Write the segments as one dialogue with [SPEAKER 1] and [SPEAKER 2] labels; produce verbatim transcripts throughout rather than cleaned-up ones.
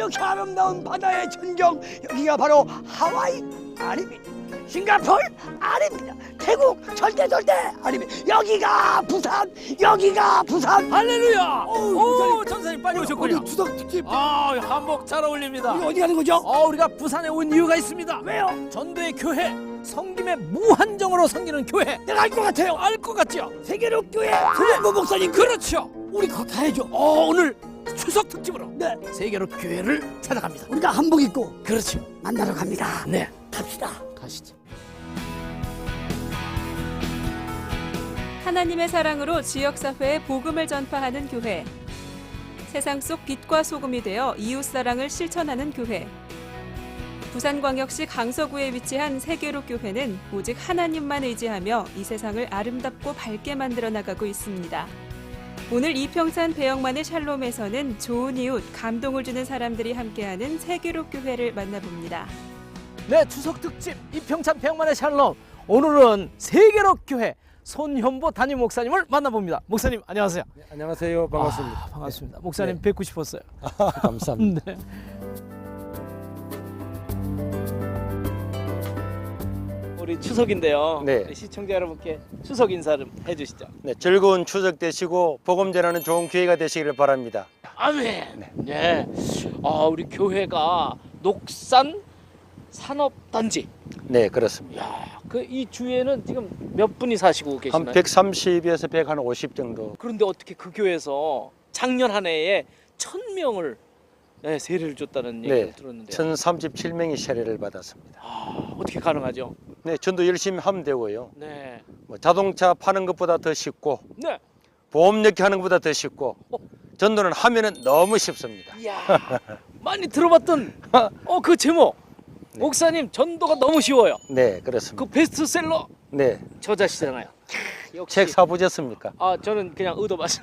[SPEAKER 1] 이렇게 아름다운 바다의 전경, 여기가 바로 하와이 아닙니다. 싱가포르 아닙니다. 태국 절대 절대 아닙니다. 여기가 부산, 여기가 부산.
[SPEAKER 2] 할렐루야!
[SPEAKER 1] 어우,
[SPEAKER 2] 오,
[SPEAKER 1] 전사님.
[SPEAKER 2] 전사님 빨리 오셨군요.
[SPEAKER 1] 오늘 추석 특집.
[SPEAKER 2] 아, 한복 잘 어울립니다.
[SPEAKER 1] 우리 어디 가는 거죠?
[SPEAKER 2] 어, 우리가 부산에 온 이유가 있습니다.
[SPEAKER 1] 왜요?
[SPEAKER 2] 전도의 교회, 성김의 무한정으로 섬기는 교회.
[SPEAKER 1] 내가 알 것 같아요.
[SPEAKER 2] 알 것 같죠?
[SPEAKER 1] 세계로 교회 손현보 목사님.
[SPEAKER 2] 그렇죠.
[SPEAKER 1] 우리 그거 가야죠.
[SPEAKER 2] 어, 오늘 추석 특집으로
[SPEAKER 1] 네,
[SPEAKER 2] 세계로 교회를 찾아갑니다.
[SPEAKER 1] 우리가 한복 입고
[SPEAKER 2] 그렇죠.
[SPEAKER 1] 만나러 갑니다.
[SPEAKER 2] 네,
[SPEAKER 1] 갑시다.
[SPEAKER 2] 가시죠.
[SPEAKER 3] 하나님의 사랑으로 지역사회에 복음을 전파하는 교회. 세상 속 빛과 소금이 되어 이웃사랑을 실천하는 교회. 부산광역시 강서구에 위치한 세계로 교회는 오직 하나님만 의지하며 이 세상을 아름답고 밝게 만들어 나가고 있습니다. 오늘 이평산 배영만의 샬롬에서는 좋은 이웃, 감동을 주는 사람들이 함께하는 세계로 교회를 만나봅니다.
[SPEAKER 2] 네, 추석 특집 이평찬 백만의 샬롬. 오늘은 세계로 교회 손현보 담임 목사님을 만나봅니다. 목사님 안녕하세요.
[SPEAKER 4] 네, 안녕하세요. 반갑습니다.
[SPEAKER 2] 아, 반갑습니다. 목사님
[SPEAKER 4] 네.
[SPEAKER 2] 뵙고 싶었어요.
[SPEAKER 4] 감사합니다.
[SPEAKER 2] 네. 우리 추석인데요.
[SPEAKER 4] 네.
[SPEAKER 2] 우리 시청자 여러분께 추석 인사 좀 해주시죠.
[SPEAKER 4] 네, 즐거운 추석 되시고 복음 전하는 좋은 기회가 되시기를 바랍니다.
[SPEAKER 2] 아멘. 네. 네. 아, 우리 교회가 녹산 산업단지.
[SPEAKER 4] 네, 그렇습니다.
[SPEAKER 2] 야, 그 이 주에는 지금 몇 분이 사시고 계시나요?
[SPEAKER 4] 한 백삼십에서 백오십 정도.
[SPEAKER 2] 그런데 어떻게 그 교회에서 작년 한 해에 천 명을 네, 세례를 줬다는 얘기를
[SPEAKER 4] 네,
[SPEAKER 2] 들었는데요.
[SPEAKER 4] 천삼십칠 명이 세례를 받았습니다.
[SPEAKER 2] 아, 어떻게 가능하죠?
[SPEAKER 4] 네, 전도 열심히 하면 되고요.
[SPEAKER 2] 네.
[SPEAKER 4] 뭐 자동차 파는 것보다 더 쉽고
[SPEAKER 2] 네.
[SPEAKER 4] 보험 넣기 하는 것보다 더 쉽고
[SPEAKER 2] 어.
[SPEAKER 4] 전도는 하면은 너무 쉽습니다.
[SPEAKER 2] 이야, 많이 들어봤던 어 그 제목.
[SPEAKER 4] 네.
[SPEAKER 2] 목사님 전도가 너무 쉬워요.
[SPEAKER 4] 네, 그렇습니다.
[SPEAKER 2] 그 베스트셀러
[SPEAKER 4] 네,
[SPEAKER 2] 저자시잖아요. 역시.
[SPEAKER 4] 책 사보셨습니까?
[SPEAKER 2] 아, 저는 그냥 의도 맞습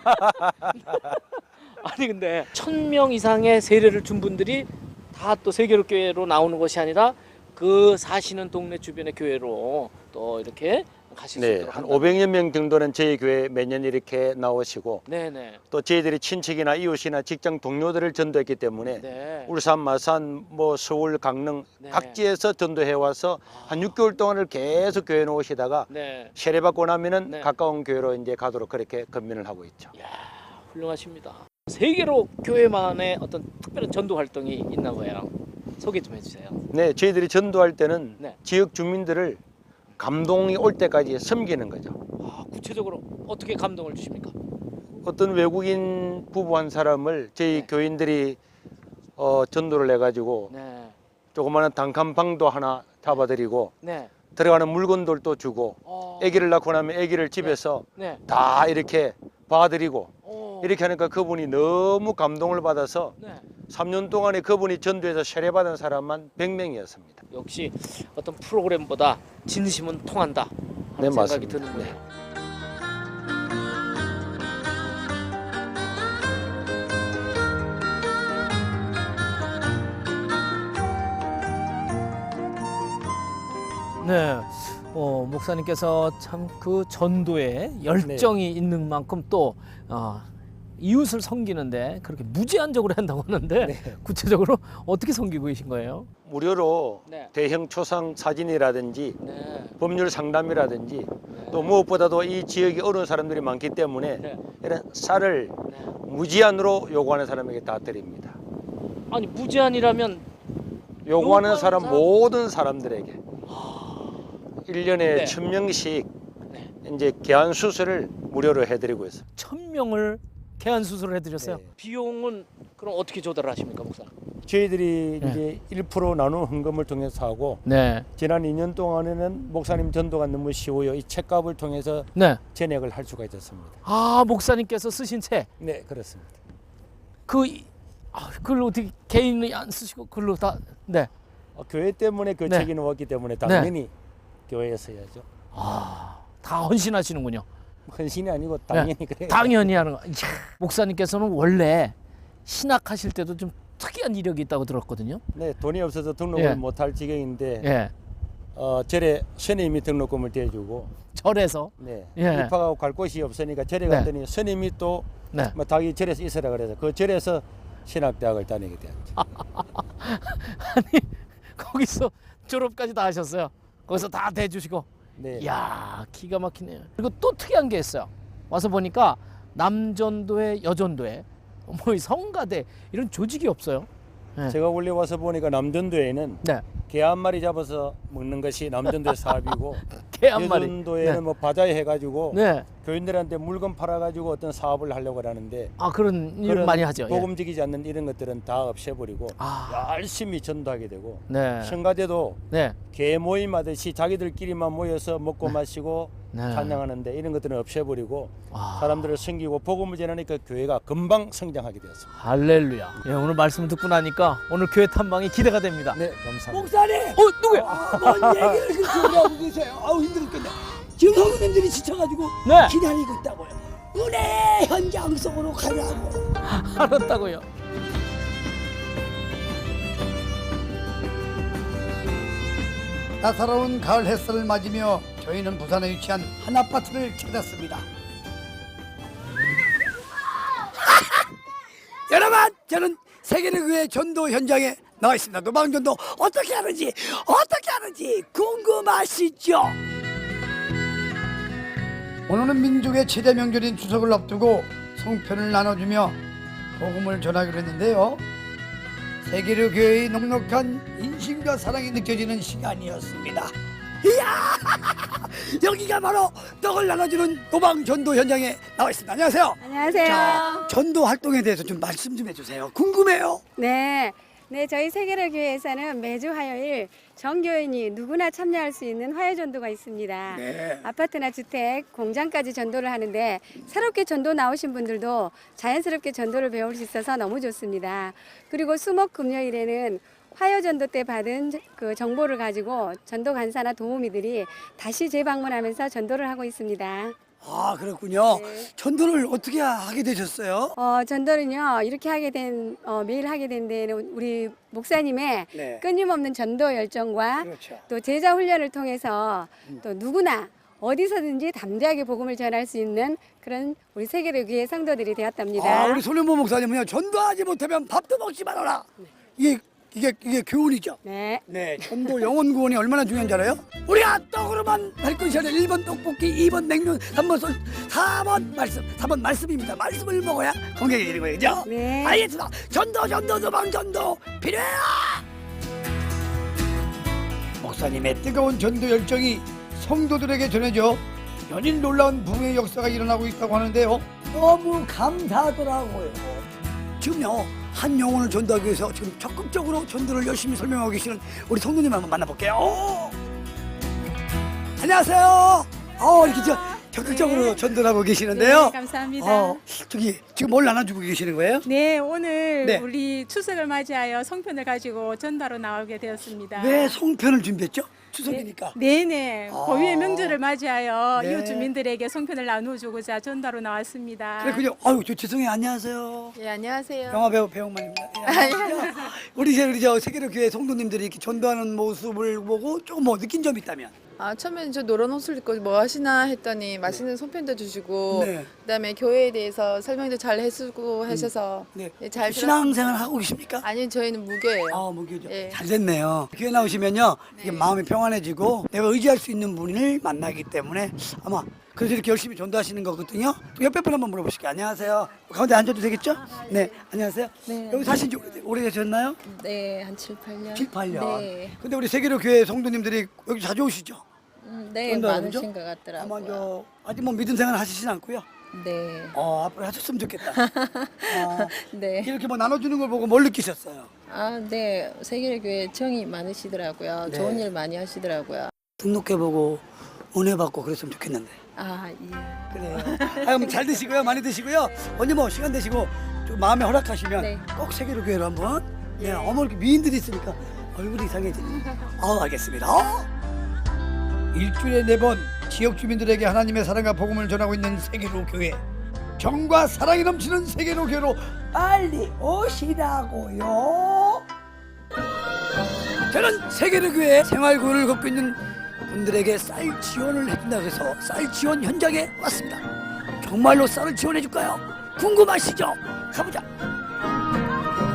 [SPEAKER 2] 아니 근데 천 명 이상의 세례를 준 분들이 다 또 세계로 교회로 나오는 것이 아니라 그 사시는 동네 주변의 교회로 또 이렇게 가실 수
[SPEAKER 4] 네,
[SPEAKER 2] 있도록
[SPEAKER 4] 한
[SPEAKER 2] 한다.
[SPEAKER 4] 오백여 명 정도는 저희 교회 매년 이렇게 나오시고
[SPEAKER 2] 네네.
[SPEAKER 4] 또 저희들이 친척이나 이웃이나 직장 동료들을 전도했기 때문에
[SPEAKER 2] 네.
[SPEAKER 4] 울산, 마산, 뭐 서울, 강릉
[SPEAKER 2] 네.
[SPEAKER 4] 각지에서 전도해 와서 한 육 개월 동안을 계속 교회 놓으시다가
[SPEAKER 2] 네.
[SPEAKER 4] 세례 받고 나면은
[SPEAKER 2] 네.
[SPEAKER 4] 가까운 교회로 이제 가도록 그렇게 건면을 하고 있죠.
[SPEAKER 2] 이야, 훌륭하십니다. 세계로 교회만의 어떤 특별한 전도 활동이 있나 봐요. 소개 좀 해주세요.
[SPEAKER 4] 네, 저희들이 전도할 때는
[SPEAKER 2] 네.
[SPEAKER 4] 지역 주민들을 감동이 올 때까지 섬기는 거죠.
[SPEAKER 2] 아, 구체적으로 어떻게 감동을 주십니까?
[SPEAKER 4] 어떤 외국인 부부 한 사람을 저희
[SPEAKER 2] 네.
[SPEAKER 4] 교인들이 어, 전도를 해가지고
[SPEAKER 2] 네.
[SPEAKER 4] 조그마한 단칸방도 하나 잡아드리고
[SPEAKER 2] 네.
[SPEAKER 4] 들어가는 물건들도 주고
[SPEAKER 2] 어.
[SPEAKER 4] 아기를 낳고 나면 아기를 집에서
[SPEAKER 2] 네.
[SPEAKER 4] 다 이렇게 봐드리고
[SPEAKER 2] 어.
[SPEAKER 4] 이렇게 하니까 그분이 너무 감동을 받아서
[SPEAKER 2] 네.
[SPEAKER 4] 삼 년 동안에 그분이 전도해서 세례받은 사람만 백 명이었습니다.
[SPEAKER 2] 역시 어떤 프로그램보다 진심은 통한다 하는
[SPEAKER 4] 네,
[SPEAKER 2] 생각이
[SPEAKER 4] 맞습니다.
[SPEAKER 2] 드는군요.
[SPEAKER 4] 네.
[SPEAKER 2] 네. 어, 목사님께서 참 그 전도에 열정이 있는 만큼 또 어, 이웃을 섬기는데 그렇게 무제한적으로 한다고 하는데
[SPEAKER 4] 네.
[SPEAKER 2] 구체적으로 어떻게 섬기고 계신 거예요?
[SPEAKER 4] 무료로
[SPEAKER 2] 네.
[SPEAKER 4] 대형 초상 사진이라든지
[SPEAKER 2] 네.
[SPEAKER 4] 법률 상담이라든지 또 무엇보다도 이 지역에 어려운 사람들이 많기 때문에
[SPEAKER 2] 네.
[SPEAKER 4] 이런 쌀을
[SPEAKER 2] 네.
[SPEAKER 4] 무제한으로 요구하는 사람에게 다 드립니다.
[SPEAKER 2] 아니 무제한이라면
[SPEAKER 4] 요구하는
[SPEAKER 2] 요구하는
[SPEAKER 4] 사람
[SPEAKER 2] 사람?
[SPEAKER 4] 모든 사람들에게 일 년에
[SPEAKER 2] 네.
[SPEAKER 4] 천 명씩
[SPEAKER 2] 네.
[SPEAKER 4] 이제 개안 수술을 무료로 해드리고 있습니다.
[SPEAKER 2] 천 명을 개안 수술을 해드렸어요.
[SPEAKER 4] 네.
[SPEAKER 2] 비용은 그럼 어떻게 조달을 하십니까, 목사?
[SPEAKER 4] 저희들이
[SPEAKER 2] 네.
[SPEAKER 4] 이제 일 퍼센트 나눈 헌금을 통해서 하고
[SPEAKER 2] 네.
[SPEAKER 4] 지난 이 년 동안에는 목사님 전도가 너무 쉬워요. 이 책값을 통해서
[SPEAKER 2] 네.
[SPEAKER 4] 전액을 할 수가 있었습니다.
[SPEAKER 2] 아, 목사님께서 쓰신 책.
[SPEAKER 4] 네, 그렇습니다.
[SPEAKER 2] 그 이- 아, 그걸 어떻게 개인이 안 쓰시고 그걸로 다 네.
[SPEAKER 4] 어, 교회 때문에 그
[SPEAKER 2] 네.
[SPEAKER 4] 책이 나왔기 때문에 당연히 교회에서 해야죠.
[SPEAKER 2] 아, 다 헌신하시는군요.
[SPEAKER 4] 헌신이 아니고 당연히 그래요.
[SPEAKER 2] 당연히 하는 거. 이야, 목사님께서는 원래 신학하실 때도 좀 특이한 이력이 있다고 들었거든요.
[SPEAKER 4] 네, 돈이 없어서 등록을
[SPEAKER 2] 예.
[SPEAKER 4] 못할 지경인데
[SPEAKER 2] 예.
[SPEAKER 4] 어, 절에 스님이 등록금을 대주고
[SPEAKER 2] 절에서.
[SPEAKER 4] 네,
[SPEAKER 2] 예.
[SPEAKER 4] 입학하고 갈 곳이 없으니까 절에
[SPEAKER 2] 네.
[SPEAKER 4] 갔더니 스님이 또
[SPEAKER 2] 네.
[SPEAKER 4] 뭐 자기 절에서 있으라 그래서 그 절에서 신학대학을 다니게 되었죠.
[SPEAKER 2] 아니 거기서 졸업까지 다 하셨어요. 거기서 다 대주시고.
[SPEAKER 4] 네.
[SPEAKER 2] 이야 기가 막히네요. 그리고 또 특이한 게 있어요. 와서 보니까 남전도회, 여전도회, 뭐 이 성가대 이런 조직이 없어요. 네.
[SPEAKER 4] 제가 원래 와서 보니까 남전도에는
[SPEAKER 2] 네.
[SPEAKER 4] 개 한 마리 잡아서 먹는 것이 남전도의 사업이고
[SPEAKER 2] 개 한 마리.
[SPEAKER 4] 여전도에는
[SPEAKER 2] 네.
[SPEAKER 4] 뭐 바자회 해가지고
[SPEAKER 2] 네.
[SPEAKER 4] 교인들한테 물건 팔아가지고 어떤 사업을 하려고 하는데
[SPEAKER 2] 아 그런 일
[SPEAKER 4] 그런
[SPEAKER 2] 많이 하죠. 예.
[SPEAKER 4] 복음지기지 않는 이런 것들은 다 없애버리고
[SPEAKER 2] 아.
[SPEAKER 4] 열심히 전도하게 되고
[SPEAKER 2] 네.
[SPEAKER 4] 성가대도
[SPEAKER 2] 네.
[SPEAKER 4] 개 모임 하듯이 자기들끼리만 모여서 먹고 마시고
[SPEAKER 2] 네.
[SPEAKER 4] 찬양하는데 이런 것들은 없애버리고
[SPEAKER 2] 아.
[SPEAKER 4] 사람들을 섬기고 복음을 전하니까 교회가 금방 성장하게 되었습니다.
[SPEAKER 2] 할렐루야. 예, 오늘 말씀을 듣고 나니까 오늘 교회 탐방이 기대가 됩니다.
[SPEAKER 4] 네, 감사합니다.
[SPEAKER 1] 목사님.
[SPEAKER 2] 어 누구야?
[SPEAKER 1] 아, 뭔 얘기를 그렇게 하고 계세요. 아우 힘들었겠네. 지금 성도님들이 지쳐가지고
[SPEAKER 2] 네.
[SPEAKER 1] 기다리고 있다고요. 은혜 현장 속으로 가라고.
[SPEAKER 2] 알았다고요.
[SPEAKER 1] 따사로운 가을 햇살을 맞으며 저희는 부산에 위치한 한 아파트를 찾았습니다. 여러분, 저는 세계의교회 전도 현장에 나와 있습니다. 노방전도 어떻게 하는지 어떻게 하는지 궁금하시죠? 오늘은 민족의 최대 명절인 추석을 앞두고 성편을 나눠주며 복음을 전하기로 했는데요. 세계로 교회의 넉넉한 인심과 사랑이 느껴지는 시간이었습니다. 이야, 여기가 바로 떡을 나눠주는 노방 전도 현장에 나와 있습니다. 안녕하세요.
[SPEAKER 5] 안녕하세요.
[SPEAKER 1] 자, 전도 활동에 대해서 좀 말씀 좀 해주세요. 궁금해요.
[SPEAKER 5] 네. 네, 저희 세계로 교회에서는 매주 화요일 정교인이 누구나 참여할 수 있는 화요 전도가 있습니다.
[SPEAKER 1] 네.
[SPEAKER 5] 아파트나 주택, 공장까지 전도를 하는데 새롭게 전도 나오신 분들도 자연스럽게 전도를 배울 수 있어서 너무 좋습니다. 그리고 수목 금요일에는 화요 전도 때 받은 그 정보를 가지고 전도 간사나 도우미들이 다시 재방문하면서 전도를 하고 있습니다.
[SPEAKER 1] 아, 그렇군요.
[SPEAKER 5] 네.
[SPEAKER 1] 전도를 어떻게 하게 되셨어요?
[SPEAKER 5] 어, 전도는요, 이렇게 하게 된, 어, 매일 하게 된 데는 우리 목사님의
[SPEAKER 1] 네.
[SPEAKER 5] 끊임없는 전도 열정과
[SPEAKER 1] 그렇죠.
[SPEAKER 5] 또 제자 훈련을 통해서 또 누구나 어디서든지 담대하게 복음을 전할 수 있는 그런 우리 세계로교회 성도들이 되었답니다.
[SPEAKER 1] 아, 우리 손현모 목사님은요, 전도하지 못하면 밥도 먹지 말아라. 이게 이게 이게 교훈이죠.
[SPEAKER 5] 네.
[SPEAKER 1] 네, 전도 영혼 구원이 얼마나 중요한지 알아요? 우리가 떡으로만 할 것이 아니라 일 번 떡볶이, 이 번 냉면, 삼 번 술, 사 번 말씀, 사 번 말씀입니다. 말씀을 먹어야 건강해지는 되는 거예요, 그죠?
[SPEAKER 5] 네.
[SPEAKER 1] 알겠습니다. 전도, 전도, 도방 전도 필요해요. 목사님의 뜨거운 전도 열정이 성도들에게 전해져 연일 놀라운 부흥의 역사가 일어나고 있다고 하는데요. 너무 감사하더라고요. 지금요, 한 영혼을 전도하기 위해서 지금 적극적으로 전도를 열심히 설명하고 계시는 우리 성도님 한번 만나볼게요. 오! 안녕하세요. 어, 이렇게 저 적극적으로
[SPEAKER 6] 네.
[SPEAKER 1] 전도를 하고 계시는데요.
[SPEAKER 6] 네, 감사합니다.
[SPEAKER 1] 어, 저기 지금 뭘 나눠주고 계시는 거예요?
[SPEAKER 6] 네, 오늘
[SPEAKER 1] 네.
[SPEAKER 6] 우리 추석을 맞이하여 성편을 가지고 전도로 나오게 되었습니다.
[SPEAKER 1] 왜 송편을 준비했죠? 추석이니까.
[SPEAKER 6] 네, 네.
[SPEAKER 1] 아.
[SPEAKER 6] 고유의 명절을 맞이하여
[SPEAKER 1] 네.
[SPEAKER 6] 이웃 주민들에게 성편을 나누어주고자 전도로 나왔습니다.
[SPEAKER 1] 그랬군요. 아유, 저 죄송해요. 안녕하세요.
[SPEAKER 7] 예, 안녕하세요.
[SPEAKER 1] 영화 배우 배용만입니다. 예, 안녕하세요. 우리 이제 우리 저 세계로 교회 성도님들이 이렇게 전도하는 모습을 보고 조금 뭐 느낀 점이 있다면?
[SPEAKER 7] 아, 처음에는 저 노란 옷을 입고 뭐 하시나 했더니 맛있는 손편도 주시고
[SPEAKER 1] 네.
[SPEAKER 7] 그다음에 교회에 대해서 설명도 잘 해주고 하셔서
[SPEAKER 1] 네.
[SPEAKER 7] 예, 잘
[SPEAKER 1] 신앙생활 하고 계십니까?
[SPEAKER 7] 아니요, 저희는 무교예요.
[SPEAKER 1] 아, 무교죠.
[SPEAKER 7] 예.
[SPEAKER 1] 잘 됐네요. 교회 나오시면요, 이게
[SPEAKER 7] 네.
[SPEAKER 1] 마음이 평안해지고 내가 의지할 수 있는 분을 만나기 때문에 아마 그래서 이렇게 열심히 전도하시는 거거든요. 또 옆에 분 한번 물어보실게요. 안녕하세요. 가운데 앉아도 되겠죠? 네, 안녕하세요.
[SPEAKER 7] 네.
[SPEAKER 1] 여기 사신 지 오래- 오래되셨나요?
[SPEAKER 7] 네, 한 칠, 팔 년.
[SPEAKER 1] 칠, 팔 년.
[SPEAKER 7] 네.
[SPEAKER 1] 근데 우리 세계로 교회 성도님들이 여기 자주 오시죠?
[SPEAKER 7] 음, 네,
[SPEAKER 1] 전도하는
[SPEAKER 7] 많으신
[SPEAKER 1] 거?
[SPEAKER 7] 것
[SPEAKER 1] 아마
[SPEAKER 7] 같더라고요.
[SPEAKER 1] 저 아직 뭐 믿음 생활 하시진 않고요.
[SPEAKER 7] 네.
[SPEAKER 1] 어, 앞으로 하셨으면 좋겠다. 어,
[SPEAKER 7] 네.
[SPEAKER 1] 이렇게 뭐 나눠주는 걸 보고 뭘 느끼셨어요?
[SPEAKER 7] 아, 네. 세계교회 정이 많으시더라고요.
[SPEAKER 1] 네.
[SPEAKER 7] 좋은 일 많이 하시더라고요.
[SPEAKER 1] 등록해보고 은혜 받고 그랬으면 좋겠는데.
[SPEAKER 7] 아, 예.
[SPEAKER 1] 그래요. 아, 그럼 잘 드시고요, 많이 드시고요. 언제 뭐 시간 되시고 좀 마음에 허락하시면
[SPEAKER 7] 네.
[SPEAKER 1] 꼭 세계로 교회로 한번. 네, 어머 이렇게 미인들이 있으니까 얼굴이 이상해지네. 어, 알겠습니다. 어? 일주일에 네 번 지역 주민들에게 하나님의 사랑과 복음을 전하고 있는 세계로 교회. 정과 사랑이 넘치는 세계로 교회로 빨리 오시라고요. 저는 세계로 교회 생활 고를 걷고 있는 분들에게 쌀 지원을 해준다고 해서 쌀 지원 현장에 왔습니다. 정말로 쌀을 지원해 줄까요? 궁금하시죠? 가보자.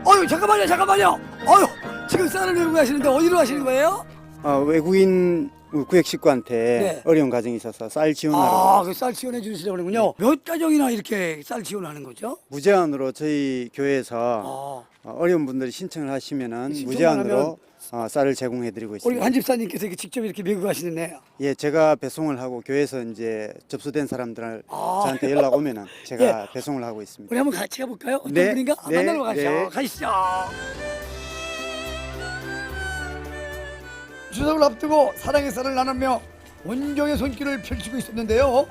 [SPEAKER 1] 어유 잠깐만요, 잠깐만요. 어유 지금 쌀을 메고 가시는데 어디로 가시는 거예요?
[SPEAKER 8] 어, 외국인 구획 식구한테
[SPEAKER 1] 네.
[SPEAKER 8] 어려운 가정이 있어서 쌀 지원하러
[SPEAKER 1] 아, 그 쌀 지원해 주시려고 그러군요. 몇 가정이나 이렇게 쌀 지원하는 거죠?
[SPEAKER 8] 무제한으로 저희 교회에서
[SPEAKER 1] 아,
[SPEAKER 8] 어, 어려운 분들이 신청을 하시면은
[SPEAKER 1] 신청만
[SPEAKER 8] 무제한으로 어, 쌀을 제공해드리고
[SPEAKER 1] 우리
[SPEAKER 8] 있습니다.
[SPEAKER 1] 한 집사님께서 이렇게 직접 이렇게 메고 가시는데.
[SPEAKER 8] 예, 제가 배송을 하고 교회에서 이제 접수된 사람들
[SPEAKER 1] 아.
[SPEAKER 8] 저한테 연락 오면은 제가
[SPEAKER 1] 예.
[SPEAKER 8] 배송을 하고 있습니다.
[SPEAKER 1] 우리 한번 같이 가볼까요? 어떤
[SPEAKER 8] 네,
[SPEAKER 1] 분인가? 아,
[SPEAKER 8] 네,
[SPEAKER 1] 만나러 가시죠.
[SPEAKER 8] 네.
[SPEAKER 1] 가시죠. 추석을 앞두고 사랑의 쌀을 나누며 온종의 손길을 펼치고 있었는데요.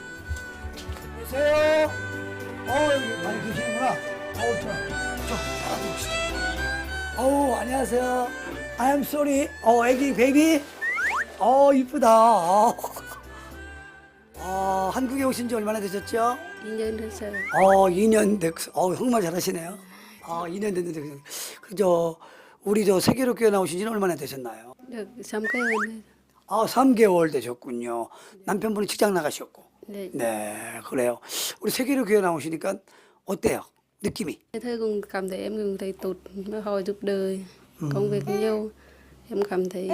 [SPEAKER 1] 안녕하세요. 어, 여기 많이 계시는구나. 어우, 저, 저, 알아보시죠. 어우, 안녕하세요. I am sorry. 어, 애기, 베이비. 어, 이쁘다. 어. 어, 한국에 오신 지 얼마나 되셨죠?
[SPEAKER 5] 이 년 됐어요.
[SPEAKER 1] 어, 이 년 됐, 어, 정말 잘하시네요. 어, 이 년 됐는데, 그, 그저, 우리 저 세계로 교회 나오신 지는 얼마나 되셨나요?
[SPEAKER 5] được sáu 개월.
[SPEAKER 1] 아, 삼 개월 되셨군요. 남편분이 직장 나가셨고.
[SPEAKER 5] 네.
[SPEAKER 1] 네, 그래요. 우리 세계로 교회 나오시니까 어때요? 느낌이?
[SPEAKER 5] Thế cũng cảm thấy em cũng thấy tốt, họ giúp đời, công việc nhiều. Em cảm thấy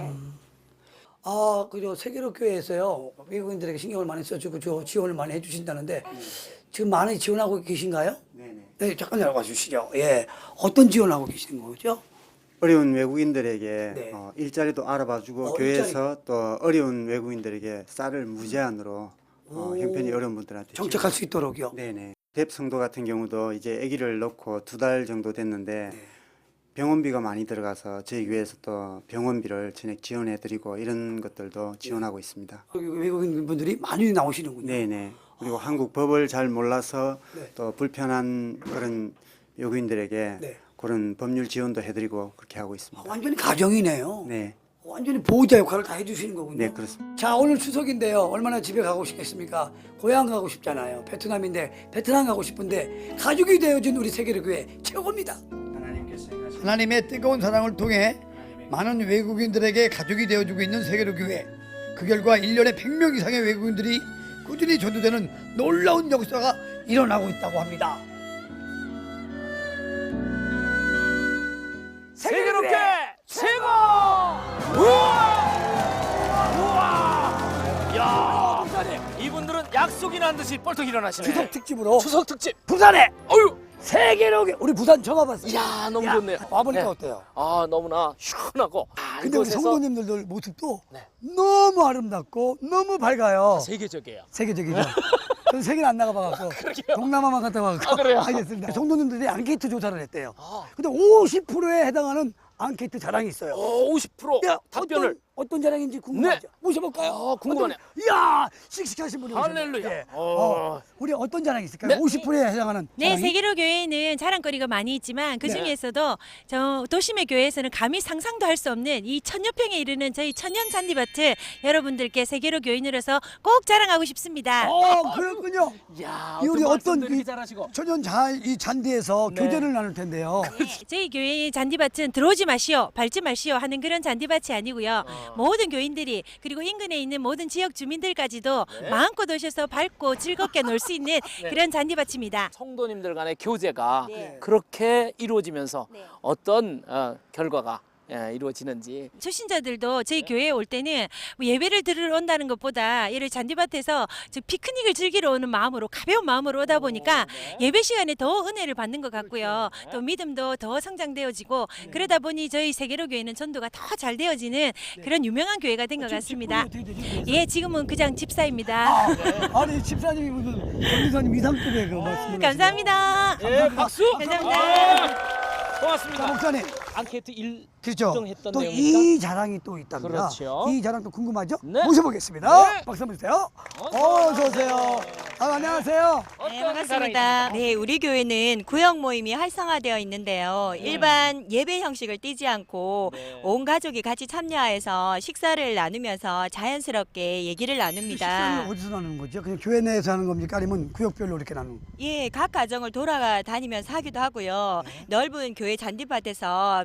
[SPEAKER 1] 아, 그죠. 세계로 교회에서요. 외국인들에게 신경을 많이 써주고 저 지원을 많이 해주신다는데 지금 많이 지원하고 계신가요?
[SPEAKER 8] 네네.
[SPEAKER 1] 네, 잠깐 열어봐 주시죠. 예. 어떤 지원하고 계시는 거죠?
[SPEAKER 8] 어려운 외국인들에게
[SPEAKER 1] 네.
[SPEAKER 8] 어, 일자리도 알아봐주고
[SPEAKER 1] 어,
[SPEAKER 8] 교회에서 또 어려운 외국인들에게 쌀을 무제한으로 어, 형편이 어려운 분들한테
[SPEAKER 1] 정착할 수 있도록요.
[SPEAKER 8] 네네. 뎁 성도 같은 경우도 이제 아기를 넣고 두 달 정도 됐는데
[SPEAKER 1] 네.
[SPEAKER 8] 병원비가 많이 들어가서 저희 교회에서 또 병원비를 전액 지원해드리고 이런 것들도 지원하고 있습니다.
[SPEAKER 1] 여기 외국인 분들이 많이 나오시는군요.
[SPEAKER 8] 네네. 그리고 한국 법을 잘 몰라서
[SPEAKER 1] 네.
[SPEAKER 8] 또 불편한 그런 외국인들에게
[SPEAKER 1] 네.
[SPEAKER 8] 그런 법률 지원도 해드리고 그렇게 하고
[SPEAKER 1] 아,
[SPEAKER 8] 있습니다.
[SPEAKER 1] 완전히 가정이네요.
[SPEAKER 8] 네,
[SPEAKER 1] 완전히 보호자 역할을 다 해주시는 거군요.
[SPEAKER 8] 네 그렇습니다.
[SPEAKER 1] 자, 오늘 추석인데요. 얼마나 집에 가고 싶겠습니까? 고향 가고 싶잖아요. 베트남인데 베트남 가고 싶은데 가족이 되어준 우리 세계로 교회 최고입니다. 하나님의 뜨거운 사랑을 통해 많은 외국인들에게 가족이 되어주고 있는 세계로 교회. 그 결과 일 년에 백 명 이상의 외국인들이 꾸준히 전도되는 놀라운 역사가 일어나고 있다고 합니다.
[SPEAKER 2] 세계로 교회 최고! 우와! 우와! 야! 이분들은 약속이나 한 듯이 벌떡 일어나시네.
[SPEAKER 1] 추석 특집으로
[SPEAKER 2] 추석 특집.
[SPEAKER 1] 부산에
[SPEAKER 2] 어유.
[SPEAKER 1] 세계로 교회. 우리 부산 처음 와봤어요.
[SPEAKER 2] 야, 너무
[SPEAKER 1] 야,
[SPEAKER 2] 좋네요.
[SPEAKER 1] 와보니까
[SPEAKER 2] 네.
[SPEAKER 1] 어때요?
[SPEAKER 2] 아, 너무나 시원하고. 아,
[SPEAKER 1] 근데 우리
[SPEAKER 2] 이곳에서
[SPEAKER 1] 성도님들 모습도
[SPEAKER 2] 네.
[SPEAKER 1] 너무 아름답고 너무 밝아요.
[SPEAKER 2] 세계적이에요.
[SPEAKER 1] 세계적이죠. 저는 세계를 안 나가봐갖고
[SPEAKER 2] 그러게요.
[SPEAKER 1] 동남아만 갔다 와갖고
[SPEAKER 2] 아, 그래요?
[SPEAKER 1] 알겠습니다. 성도님들이 앙케이트 조사를 했대요.
[SPEAKER 2] 아.
[SPEAKER 1] 근데 오십 퍼센트에 해당하는 앙케이트 자랑이 있어요.
[SPEAKER 2] 어, 오십 퍼센트
[SPEAKER 1] 야,
[SPEAKER 2] 답변을.
[SPEAKER 1] 어떤, 어떤 자랑인지 궁금하죠? 모셔볼까요?
[SPEAKER 2] 아, 궁금하네요.
[SPEAKER 1] 어떤- 이야, 씩씩하신 분이 오셨네요.
[SPEAKER 2] 할렐루야.
[SPEAKER 1] 예.
[SPEAKER 2] 어.
[SPEAKER 1] 어, 우리 어떤 자랑이 있을까요?
[SPEAKER 2] 네.
[SPEAKER 1] 오십 퍼센트에 해당하는
[SPEAKER 9] 네,
[SPEAKER 1] 자랑이?
[SPEAKER 9] 세계로 교회에는 자랑거리가 많이 있지만 그 중에서도 저 도심의 교회에서는 감히 상상도 할 수 없는 이 천여 평에 이르는 저희 천연 잔디밭을 여러분들께 세계로 교인으로서 꼭 자랑하고 싶습니다.
[SPEAKER 1] 어, 그렇군요.
[SPEAKER 2] 야,
[SPEAKER 1] 이 우리
[SPEAKER 2] 어떤
[SPEAKER 1] 어떤
[SPEAKER 2] 말씀도 이렇게
[SPEAKER 1] 이
[SPEAKER 2] 잘하시고.
[SPEAKER 1] 천연 자, 이 잔디에서
[SPEAKER 2] 네.
[SPEAKER 1] 교제를 나눌 텐데요.
[SPEAKER 9] 네, 저희 교회의 잔디밭은 들어오지 마시오, 밟지 마시오 하는 그런 잔디밭이 아니고요.
[SPEAKER 2] 어.
[SPEAKER 9] 모든 교인들이 그리고 인근에 있는 모든 지역 주민들까지도
[SPEAKER 2] 네.
[SPEAKER 9] 마음껏 오셔서 밟고 즐겁게 놀 수 있는
[SPEAKER 2] 네.
[SPEAKER 9] 그런 잔디밭입니다.
[SPEAKER 2] 성도님들 간의 교제가
[SPEAKER 9] 네.
[SPEAKER 2] 그렇게 이루어지면서
[SPEAKER 9] 네.
[SPEAKER 2] 어떤 어, 결과가 예, 이루어지는지.
[SPEAKER 9] 초신자들도 저희 교회에 올 때는 뭐 예배를 들으러 온다는 것보다 이를 잔디밭에서 저 피크닉을 즐기러 오는 마음으로 가벼운 마음으로 오다 보니까 예배 시간에 더 은혜를 받는 것 같고요. 또 믿음도 더 성장되어지고 그러다 보니 저희 세계로 교회는 전도가 더 잘 되어지는 그런 유명한 교회가 된 것 같습니다.
[SPEAKER 1] 어떻게 되지?
[SPEAKER 9] 예, 지금은 그냥 집사입니다.
[SPEAKER 1] 아, 아니 집사님이 무슨 전도사님 이상급의 그 말씀을
[SPEAKER 9] 감사합니다.
[SPEAKER 2] 예, 박수.
[SPEAKER 9] 감사합니다.
[SPEAKER 2] 아, 고맙습니다.
[SPEAKER 1] 자, 목사님.
[SPEAKER 2] 앙케이트 일
[SPEAKER 1] 그렇죠.
[SPEAKER 2] 했던
[SPEAKER 1] 또
[SPEAKER 2] 내용이니까.
[SPEAKER 1] 이 자랑이 또 있답니다.
[SPEAKER 2] 그렇죠.
[SPEAKER 1] 이 자랑도 궁금하죠?
[SPEAKER 2] 네.
[SPEAKER 1] 모셔보겠습니다.
[SPEAKER 2] 네.
[SPEAKER 1] 박수 한번 주세요.
[SPEAKER 2] 어서
[SPEAKER 1] 어, 어서 오세요. 아, 안녕하세요.
[SPEAKER 2] 어떤
[SPEAKER 10] 네, 반갑습니다.
[SPEAKER 2] 사랑입니까?
[SPEAKER 10] 네, 우리 교회는 구역 모임이 활성화되어 있는데요. 일반 예배 형식을 띠지 않고
[SPEAKER 2] 네.
[SPEAKER 10] 온 가족이 같이 참여해서 식사를 나누면서 자연스럽게 얘기를 나눕니다.
[SPEAKER 1] 식사는 어디서 나누는 거죠? 그냥 교회 내에서 하는 겁니까? 아니면 구역별로 이렇게 나누는?
[SPEAKER 10] 예, 각 가정을 돌아다니면서 하기도 하고요. 넓은 교회 잔디밭에서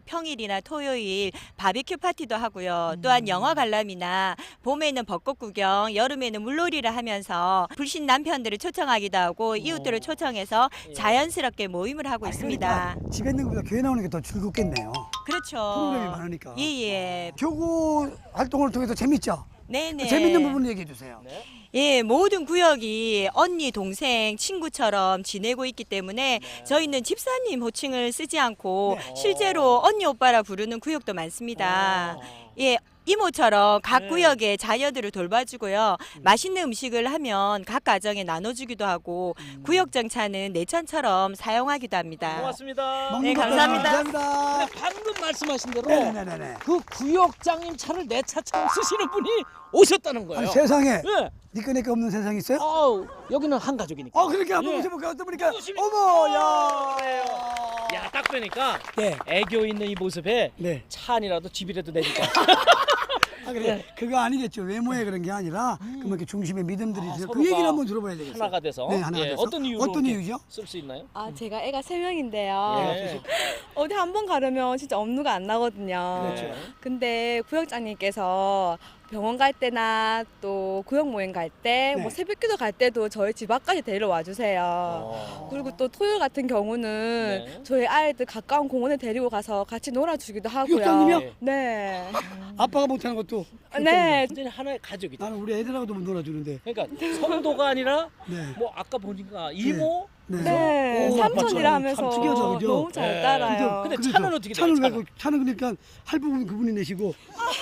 [SPEAKER 10] 평일이나 토요일 바비큐 파티도 하고요. 또한 영화 관람이나 봄에는 벚꽃 구경, 여름에는 물놀이를 하면서 불신 남편들을 초청하기도 하고 이웃들을 초청해서 자연스럽게 모임을 하고 있습니다.
[SPEAKER 1] 그러니까 집에 있는 것보다 교회 나오는 게 더 즐겁겠네요.
[SPEAKER 10] 그렇죠.
[SPEAKER 1] 프로그램이 많으니까.
[SPEAKER 10] 예예.
[SPEAKER 1] 교구 활동을 통해서 재밌죠?
[SPEAKER 10] 네네.
[SPEAKER 1] 재밌는 부분 얘기해 주세요.
[SPEAKER 10] 예, 모든 구역이 언니, 동생, 친구처럼 지내고 있기 때문에 저희는 집사님 호칭을 쓰지 않고 실제로 언니, 오빠라 부르는 구역도 많습니다. 예, 이모처럼 각
[SPEAKER 2] 네.
[SPEAKER 10] 구역의 자녀들을 돌봐주고요. 맛있는 음식을 하면 각 가정에 나눠주기도 하고 구역 정차는 내천처럼 사용하기도 합니다.
[SPEAKER 2] 고맙습니다.
[SPEAKER 10] 네,
[SPEAKER 1] 먹는 것까지
[SPEAKER 10] 감사합니다.
[SPEAKER 1] 감사합니다.
[SPEAKER 2] 근데 방금 말씀하신 대로
[SPEAKER 1] 네네네네.
[SPEAKER 2] 그 구역장님 차를 내 차처럼 쓰시는 분이 오셨다는 거예요.
[SPEAKER 1] 아니, 세상에
[SPEAKER 2] 예.
[SPEAKER 1] 니꺼 내꺼 없는 세상 있어요?
[SPEAKER 2] 아우, 여기는 한 가족이니까.
[SPEAKER 1] 어, 그렇게 한번
[SPEAKER 2] 예.
[SPEAKER 1] 모셔볼까? 어떤 분이니까?
[SPEAKER 2] 모십니다.
[SPEAKER 1] 어머, 야.
[SPEAKER 2] 야, 딱 보니까
[SPEAKER 1] 네.
[SPEAKER 2] 애교 있는 이 모습에
[SPEAKER 1] 네.
[SPEAKER 2] 차 안이라도 집이라도 내니까.
[SPEAKER 1] 아, 그래. 그거 아니겠죠. 외모에 그런 게 아니라 그뭐 이렇게 중심에 믿음들이
[SPEAKER 2] 아,
[SPEAKER 1] 있어요. 그
[SPEAKER 2] 서로가
[SPEAKER 1] 얘기를 한번 들어봐야 되겠어요.
[SPEAKER 2] 하나가 돼서.
[SPEAKER 1] 네, 하나가
[SPEAKER 2] 예,
[SPEAKER 1] 돼서.
[SPEAKER 2] 어떤 이유로
[SPEAKER 1] 어떤
[SPEAKER 2] 이렇게
[SPEAKER 1] 이유죠?
[SPEAKER 2] 쓸 수 있나요?
[SPEAKER 11] 아, 제가 애가 세 명인데요.
[SPEAKER 2] 예.
[SPEAKER 11] 어디 한 번 가려면 진짜 업무가 안 나거든요.
[SPEAKER 2] 그렇죠.
[SPEAKER 11] 근데 구역장님께서 병원 갈 때나 또 구역 모임 갈 때,
[SPEAKER 1] 네.
[SPEAKER 11] 뭐 새벽기도 갈 때도 저희 집 앞까지 데리러 와주세요.
[SPEAKER 2] 어.
[SPEAKER 11] 그리고 또 토요일 같은 경우는
[SPEAKER 2] 네.
[SPEAKER 11] 저희 아이들 가까운 공원에 데리고 가서 같이 놀아주기도 하고요.
[SPEAKER 1] 구역장님이요?
[SPEAKER 11] 네.
[SPEAKER 1] 아빠가 못하는 것도.
[SPEAKER 11] 네.
[SPEAKER 2] 완전히 하나의 가족이다.
[SPEAKER 1] 나는 우리 애들하고도 놀아주는데.
[SPEAKER 2] 그러니까 성도가 아니라
[SPEAKER 1] 네.
[SPEAKER 2] 뭐 아까 보니까 이모.
[SPEAKER 1] 네.
[SPEAKER 11] 네.
[SPEAKER 1] 오,
[SPEAKER 11] 삼촌이라
[SPEAKER 1] 아빠처럼
[SPEAKER 11] 하면서
[SPEAKER 1] 참 특이하죠, 그죠?
[SPEAKER 11] 너무 잘
[SPEAKER 2] 네.
[SPEAKER 11] 따라요.
[SPEAKER 2] 근데
[SPEAKER 1] 그래서
[SPEAKER 2] 차는 어떻게 돼요,
[SPEAKER 1] 차는 왜
[SPEAKER 2] 차는?
[SPEAKER 1] 그- 차는 그러니까 할부분 그분이 내시고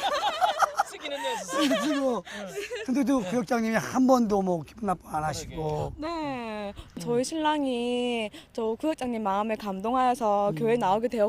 [SPEAKER 2] 쓰기는 요
[SPEAKER 1] 쓰고 근데 또 구역장님이 한 번도 뭐 기분 나빠 안 하시고
[SPEAKER 11] 네, 저희 신랑이 저 구역장님 마음에 감동하여서 교회 나오게
[SPEAKER 1] 오!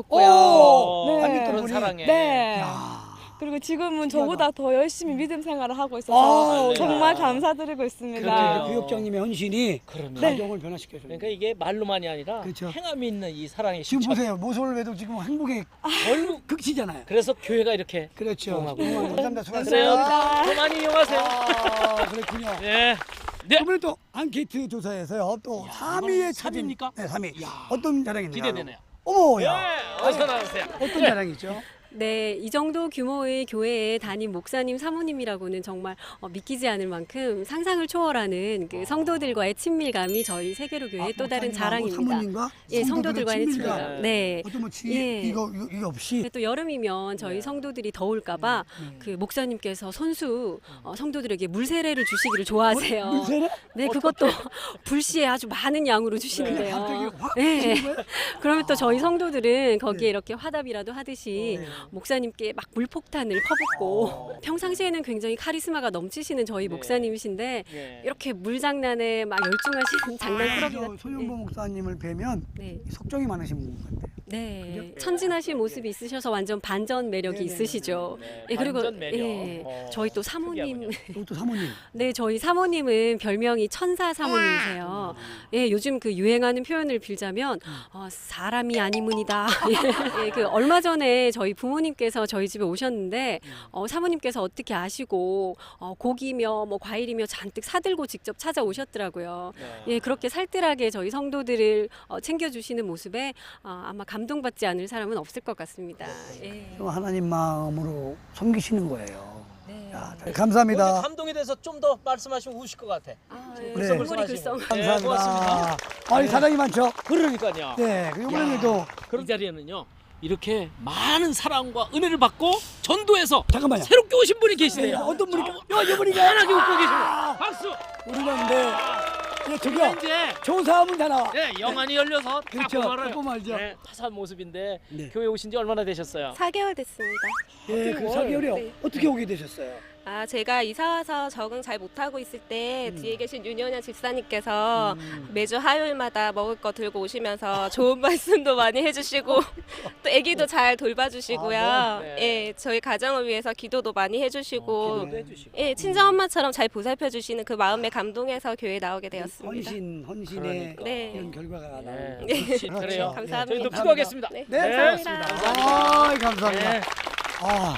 [SPEAKER 11] 되었고요.
[SPEAKER 1] 아니, 또
[SPEAKER 2] 그런
[SPEAKER 1] 분이-
[SPEAKER 2] 사랑에.
[SPEAKER 11] 네.
[SPEAKER 1] 야.
[SPEAKER 11] 그리고 지금은
[SPEAKER 1] 신기하다.
[SPEAKER 11] 저보다 더 열심히 믿음 생활을 하고
[SPEAKER 1] 아,
[SPEAKER 11] 있어서 정말
[SPEAKER 2] 할렐루야.
[SPEAKER 11] 감사드리고
[SPEAKER 1] 그렇게
[SPEAKER 11] 있습니다.
[SPEAKER 2] 그래요.
[SPEAKER 1] 그 구역장님의 헌신이
[SPEAKER 2] 그럼요.
[SPEAKER 1] 가정을 변화시켜줘요.
[SPEAKER 2] 그러니까 이게 말로만이 아니라
[SPEAKER 1] 그렇죠.
[SPEAKER 2] 행함이 있는 이 사랑의
[SPEAKER 1] 지금
[SPEAKER 2] 실천.
[SPEAKER 1] 보세요. 모쏠 외도 지금 행복의
[SPEAKER 2] 얼굴
[SPEAKER 1] 극치잖아요.
[SPEAKER 2] 그래서 교회가 이렇게
[SPEAKER 1] 그렇죠.
[SPEAKER 2] 응원하고
[SPEAKER 1] 음,
[SPEAKER 2] 있어요.
[SPEAKER 1] 감사합니다.
[SPEAKER 2] 그래요.
[SPEAKER 1] 수고하셨습니다.
[SPEAKER 2] 더 많이 이용하세요.
[SPEAKER 1] 아, 그렇군요.
[SPEAKER 2] 네. 네.
[SPEAKER 1] 이번에 또 앙케이트 조사에서요. 또 삼 위에
[SPEAKER 2] 이건 삼 위입니까?
[SPEAKER 1] 네, 삼 위. 어떤 자랑이냐?
[SPEAKER 2] 기대되네요.
[SPEAKER 1] 어머,
[SPEAKER 2] 예.
[SPEAKER 1] 야.
[SPEAKER 2] 어서 나오세요.
[SPEAKER 1] 어떤 자랑이죠?
[SPEAKER 12] 네, 이 정도 규모의 교회에 담임 목사님, 사모님이라고는 정말 어, 믿기지 않을 만큼 상상을 초월하는 그 성도들과의 친밀감이 저희 세계로 교회의
[SPEAKER 1] 아,
[SPEAKER 12] 또 다른
[SPEAKER 1] 목사님하고
[SPEAKER 12] 자랑입니다.
[SPEAKER 1] 사모님과
[SPEAKER 12] 예,
[SPEAKER 1] 성도들의
[SPEAKER 12] 성도들과의
[SPEAKER 1] 친밀감.
[SPEAKER 12] 친밀감. 네.
[SPEAKER 1] 어떤 뭐 지,
[SPEAKER 12] 예.
[SPEAKER 1] 이거 이거, 이거 없이
[SPEAKER 12] 근데 또 여름이면 저희
[SPEAKER 2] 네.
[SPEAKER 12] 성도들이 더울까봐
[SPEAKER 1] 음.
[SPEAKER 12] 그 목사님께서 선수 어, 성도들에게 물세례를 주시기를 좋아하세요.
[SPEAKER 1] 물세례?
[SPEAKER 12] 네, 그것도 불시에 아주 많은 양으로
[SPEAKER 1] 그냥
[SPEAKER 12] 주시는데요.
[SPEAKER 1] 갑자기 확
[SPEAKER 12] 네.
[SPEAKER 1] 주는 거예요?
[SPEAKER 12] 그러면 또 저희 성도들은 거기에
[SPEAKER 1] 네.
[SPEAKER 12] 이렇게 화답이라도 하듯이
[SPEAKER 1] 네.
[SPEAKER 12] 목사님께 막 물폭탄을 퍼붓고 평상시에는 굉장히 카리스마가 넘치시는 저희
[SPEAKER 2] 네.
[SPEAKER 12] 목사님이신데
[SPEAKER 2] 예.
[SPEAKER 12] 이렇게 물장난에 막 열중하시는 장난꾸러기
[SPEAKER 1] 저
[SPEAKER 12] 같은
[SPEAKER 1] 소윤보 목사님을 뵈면
[SPEAKER 12] 네.
[SPEAKER 1] 속정이 많으신 분 같아요.
[SPEAKER 12] 네. 천진하신 모습이 있으셔서 완전 반전 매력이
[SPEAKER 1] 네네.
[SPEAKER 12] 있으시죠.
[SPEAKER 2] 네,
[SPEAKER 12] 예, 그리고
[SPEAKER 2] 반전 매력.
[SPEAKER 12] 예,
[SPEAKER 2] 어,
[SPEAKER 12] 저희 또 사모님
[SPEAKER 1] 그리고 또 사모님.
[SPEAKER 12] 네, 저희 사모님은 별명이 천사 사모님이세요. 예, 요즘 그 유행하는 표현을 빌자면 어, 사람이 아니문이다. 예, 그 얼마 전에 저희 부모님께서 저희 집에 오셨는데 어, 사모님께서 어떻게 아시고 어, 고기며 뭐 과일이며 잔뜩 사들고 직접 찾아오셨더라고요.
[SPEAKER 2] 네.
[SPEAKER 12] 예, 그렇게 살뜰하게 저희 성도들을 어, 챙겨주시는 모습에 어, 아마 감동받지 않을 사람은 없을 것 같습니다. 예.
[SPEAKER 1] 하나님 마음으로 섬기시는 거예요.
[SPEAKER 12] 네.
[SPEAKER 1] 야,
[SPEAKER 2] 오늘
[SPEAKER 1] 감사합니다.
[SPEAKER 2] 감동이 돼서 좀 더 말씀하시면 우실 것 같아.
[SPEAKER 12] 아,
[SPEAKER 1] 네.
[SPEAKER 12] 예. 글썽거리 글썽.
[SPEAKER 2] 네,
[SPEAKER 1] 감사합니다.
[SPEAKER 2] 고맙습니다.
[SPEAKER 1] 아니 사랑이 많죠.
[SPEAKER 2] 그러니까요.
[SPEAKER 1] 네, 그 이번에도
[SPEAKER 2] 이 자리에는요. 이렇게 많은 사랑과 은혜를 받고 전도해서
[SPEAKER 1] 잠깐만요.
[SPEAKER 2] 새롭게 오신 분이
[SPEAKER 1] 네,
[SPEAKER 2] 계시네요.
[SPEAKER 1] 어떤 분이 야, 이분이가
[SPEAKER 2] 편하게 웃고 계십니다. 박수.
[SPEAKER 1] 우리가 근데 예,
[SPEAKER 2] 저기가
[SPEAKER 1] 저기요.
[SPEAKER 2] 이제
[SPEAKER 1] 조사하면 다 나와.
[SPEAKER 2] 네, 영안이 열려서
[SPEAKER 1] 그렇죠.
[SPEAKER 2] 딱 보면
[SPEAKER 1] 딱 보면 알죠.
[SPEAKER 2] 네, 화사한 모습인데
[SPEAKER 1] 네.
[SPEAKER 2] 교회 오신 지 얼마나 되셨어요?
[SPEAKER 11] 사 개월 됐습니다.
[SPEAKER 1] 예, 그 사 개월이요.
[SPEAKER 11] 네.
[SPEAKER 1] 어떻게 오게 되셨어요?
[SPEAKER 11] 아, 제가 이사 와서 적응 잘 못하고 있을 때
[SPEAKER 1] 음.
[SPEAKER 11] 뒤에 계신 윤현현 집사님께서 매주 화요일마다 먹을 거 들고 오시면서 좋은 말씀도 많이 해주시고 또 아기도 잘 돌봐주시고요.
[SPEAKER 2] 아, 네. 네.
[SPEAKER 11] 예, 저희 가정을 위해서 기도도 많이 해주시고
[SPEAKER 2] 어, 기도도 해주시고.
[SPEAKER 11] 예, 친정 엄마처럼 잘 보살펴주시는 그 마음에 감동해서 교회 나오게 되었습니다.
[SPEAKER 1] 헌신, 헌신의
[SPEAKER 2] 그러니까.
[SPEAKER 11] 네.
[SPEAKER 1] 이런 결과가 나오는
[SPEAKER 2] 네, 그렇지,
[SPEAKER 1] 그렇죠.
[SPEAKER 2] 그래요.
[SPEAKER 11] 감사합니다.
[SPEAKER 2] 저희도 기도하겠습니다.
[SPEAKER 11] 네,
[SPEAKER 1] 네,
[SPEAKER 11] 감사합니다.
[SPEAKER 1] 아, 감사합니다.
[SPEAKER 2] 네,
[SPEAKER 1] 아,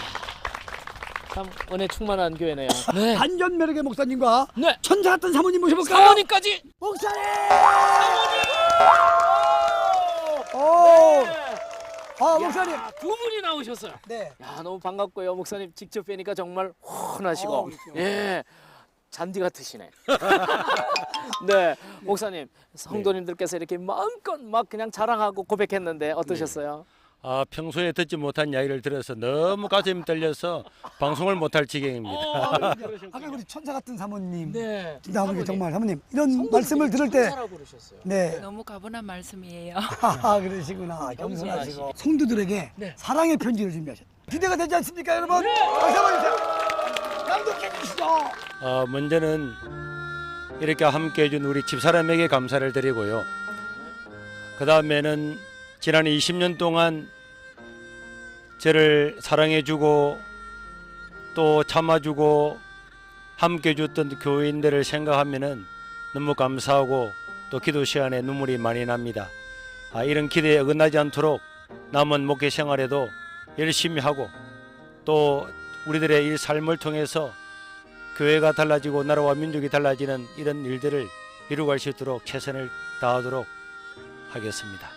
[SPEAKER 2] 참 은혜 충만한 교회네요. 네.
[SPEAKER 1] 반전 매력의 목사님과
[SPEAKER 2] 네.
[SPEAKER 1] 천사 같은 사모님 모셔볼까요?
[SPEAKER 2] 사모님까지.
[SPEAKER 1] 목사님!
[SPEAKER 2] 사모님.
[SPEAKER 1] 오, 아 목사님.
[SPEAKER 2] 야, 두 분이 나오셨어요.
[SPEAKER 1] 네.
[SPEAKER 2] 야, 너무 반갑고요. 목사님 직접 뵈니까 정말 훈하시고
[SPEAKER 1] 어, 그렇죠.
[SPEAKER 2] 예. 잔디 같으시네. 네, 목사님, 성도님들께서 이렇게 마음껏 막 그냥 자랑하고 고백했는데 어떠셨어요?
[SPEAKER 4] 아, 평소에 듣지 못한 이야기를 들어서 너무 가슴이 떨려서 방송을 못할 지경입니다.
[SPEAKER 2] 어,
[SPEAKER 1] 아까 우리 천사 같은 사모님.
[SPEAKER 2] 네.
[SPEAKER 1] 진짜 사모님 정말 사모님 이런 말씀을 들을 때.
[SPEAKER 2] 천사라고 그러셨어요.
[SPEAKER 1] 네.
[SPEAKER 7] 너무 가분한 말씀이에요.
[SPEAKER 1] 아 그러시구나. 겸손하시고 성도들에게
[SPEAKER 2] 네.
[SPEAKER 1] 사랑의 편지를 준비하셨. 기대가 되지 않습니까, 여러분? 박수 한번 주세요. 감독해 주시죠.
[SPEAKER 4] 어, 먼저는 이렇게 함께 해준 우리 집사람에게 감사를 드리고요. 그 다음에는 지난 이십 년 동안 저를 사랑해주고 또 참아주고 함께 해줬던 교인들을 생각하면은 너무 감사하고 또 기도 시간에 눈물이 많이 납니다. 아, 이런 기대에 어긋나지 않도록 남은 목회 생활에도 열심히 하고 또 우리들의 이 삶을 통해서 교회가 달라지고 나라와 민족이 달라지는 이런 일들을 이루갈 수 있도록 최선을 다하도록 하겠습니다.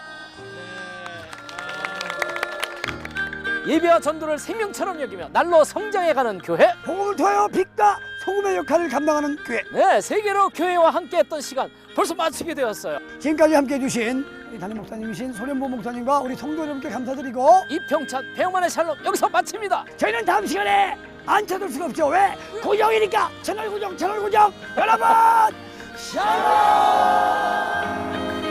[SPEAKER 2] 예배와 전도를 생명처럼 여기며 날로 성장해가는 교회.
[SPEAKER 1] 복음을 통하여 빛과 소금의 역할을 감당하는 교회.
[SPEAKER 2] 네, 세계로 교회와 함께했던 시간 벌써 마치게 되었어요.
[SPEAKER 1] 지금까지 함께해 주신 우리 담임 목사님이신 소련보 목사님과 우리 성도 여러분께 감사드리고
[SPEAKER 2] 이평찬 배영만의 샬롬 여기서 마칩니다.
[SPEAKER 1] 저희는 다음 시간에 안 찾을 수가 없죠. 왜? 고정이니까 채널 고정, 채널 고정. 여러분 샬롬.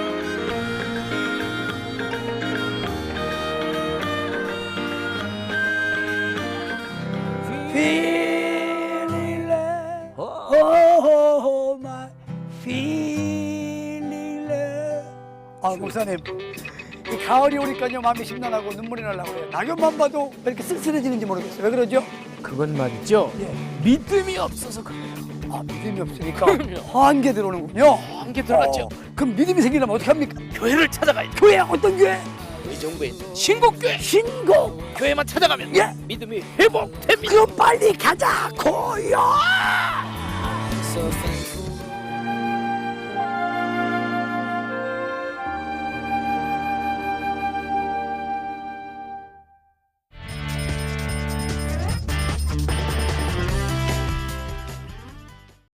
[SPEAKER 1] Feeling love, oh my feeling love. 아 목사님, 이 가을이 오니까요 마음이 심란하고 눈물이 나려고 해요. 낙엽만 봐도 왜 이렇게 쓸쓸해지는지 모르겠어요. 왜 그러죠?
[SPEAKER 2] 그건 말이죠.
[SPEAKER 1] 예.
[SPEAKER 2] 믿음이 없어서 그래요.
[SPEAKER 1] 아 믿음이 없으니까
[SPEAKER 2] 그럼요.
[SPEAKER 1] 한계 들어오는군요.
[SPEAKER 2] 한계 들어갔죠.
[SPEAKER 1] 어, 그럼 믿음이 생기려면 어떻게 합니까?
[SPEAKER 2] 교회를 찾아가야 돼.
[SPEAKER 1] 교회 어떤 교회?
[SPEAKER 2] 의정부에 있는 신곡교회.
[SPEAKER 1] 신곡.
[SPEAKER 2] 교회만 찾아가면
[SPEAKER 1] 예.
[SPEAKER 2] 믿음이 회복됩니다.
[SPEAKER 1] 그럼 빨리 가자 고요.
[SPEAKER 2] So